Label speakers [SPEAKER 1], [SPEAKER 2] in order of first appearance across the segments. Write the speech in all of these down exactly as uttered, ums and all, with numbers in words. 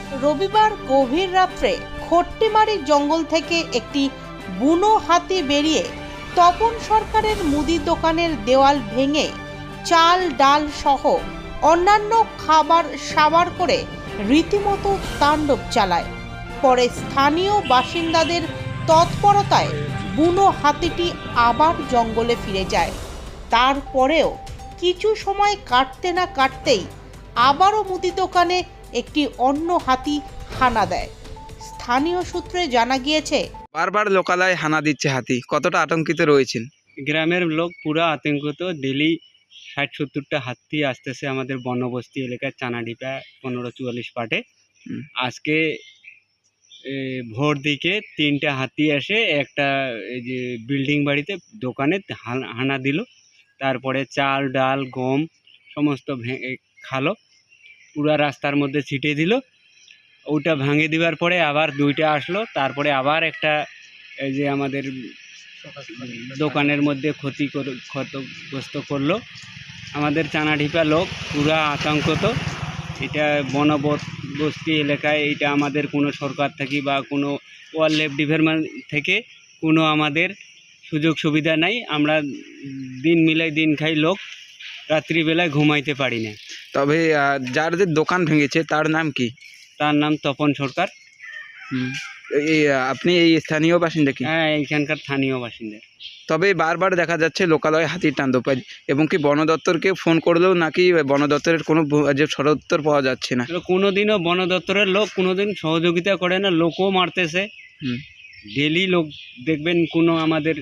[SPEAKER 1] রবিবার গভীর রাত্রে খট্টিমারি জঙ্গল থেকে একটি বুনো হাতি বেরিয়ে তপন সরকারের মুদি দোকানের দেওয়াল ভেঙে চাল ডাল সহ অন্যান্য খাবার সাবার করে রীতিমতো তাণ্ডব চালায়। পরে স্থানীয় বাসিন্দাদের তৎপরতায় বুনো হাতিটি আবার জঙ্গলে ফিরে যায়। তারপরেও কিছু সময় কাটতে না কাটতেই আবারও মুদি দোকানে একটি অন্য হাতি হানা দেয়। স্থানীয় সূত্রে জানা গিয়েছে,
[SPEAKER 2] বারবার লোকালয়ে হানা দিচ্ছে হাতি, কতটা আতঙ্কিত রয়েছেন?
[SPEAKER 3] গ্রামের লোক পুরো আতঙ্কিত। ডেলি ষাট সত্তরটা হাতি আসতেছে আমাদের বনবস্তি এলাকার চানাডিপা পনেরো চুয়াল্লিশ পাটে। আজকে ভোর দিকে তিনটা হাতি আসে একটা এই যে বিল্ডিং বাড়িতে দোকানে হানা দিল। তারপরে চাল ডাল গম সমস্ত খালো পুরা রাস্তার মধ্যে ছিটিয়ে দিল। ওটা ভাঙে দেওয়ার পরে আবার দুইটা আসলো। তারপরে আবার একটা এই যে আমাদের দোকানের মধ্যে ক্ষতি ক্ষতিগ্রস্ত করলো। আমাদের চানাডিপা লোক পুরা আতঙ্কিত। এটা বনবস্তি এলাকায়, এটা আমাদের কোনো সরকার থেকে বা কোনো ওয়াইল্ড লাইফ ডিপার্টমেন্ট থেকে কোনো আমাদের সুযোগ সুবিধা নাই। আমরা দিন মিলাই দিন খাই লোক, রাত্রিবেলায় ঘুমাইতে পারি না।
[SPEAKER 2] তবে যার যে দোকান ভেঙেছে তার নাম কি?
[SPEAKER 3] তার নাম তপন সরকার।
[SPEAKER 2] এই আপনি এই স্থানীয় বাসিন্দা কি?
[SPEAKER 3] হ্যাঁ, এইখানকার স্থানীয় বাসিন্দা।
[SPEAKER 2] তবে বারবার দেখা যাচ্ছে লোকালয়ে হাতির তাণ্ডব, এবং কি বন দপ্তরকে ফোন করলেও নাকি বন দপ্তরের কোনো যে সদুত্তর পাওয়া যাচ্ছে না।
[SPEAKER 3] কোনোদিনও বন দপ্তরের লোক কোনোদিন সহযোগিতা করে না, লোকও মারতেছে। ডেলি লোক দেখবেন কোনো আমাদের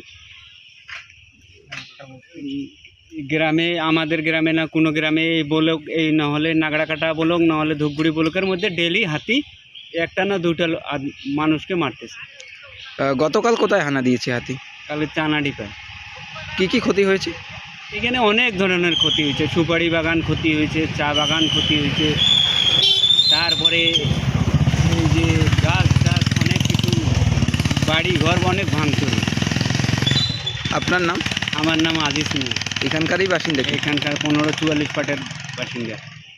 [SPEAKER 3] গ্রামে আমাদের গ্রামে না কোনো গ্রামে এই বলক এই নাহলে নাগড়াকাটা বলক নাহলে ধূপগুড়ি বলকের মধ্যে ডেলি হাতি একটা না দুটা মানুষকে মারতেছে।
[SPEAKER 2] গতকাল কোথায় হানা দিয়েছে হাতি?
[SPEAKER 3] কালে চানাডিপায়।
[SPEAKER 2] কি কি ক্ষতি হয়েছে?
[SPEAKER 3] এখানে অনেক ধরনের ক্ষতি হয়েছে। সুপারি বাগান ক্ষতি হয়েছে, চা বাগান ক্ষতি হয়েছে, তারপরে এই যে গাছ গাছ অনেক কিছু, বাড়ি ঘর অনেক ভাঙচুর।
[SPEAKER 2] আপনার নাম?
[SPEAKER 3] আমার নাম আজিজ মিয়া,
[SPEAKER 2] এখানকারই বাসিন্দা?
[SPEAKER 3] এখানকার পনেরো চুয়াল্লিশ পাটের বাসিন্দা।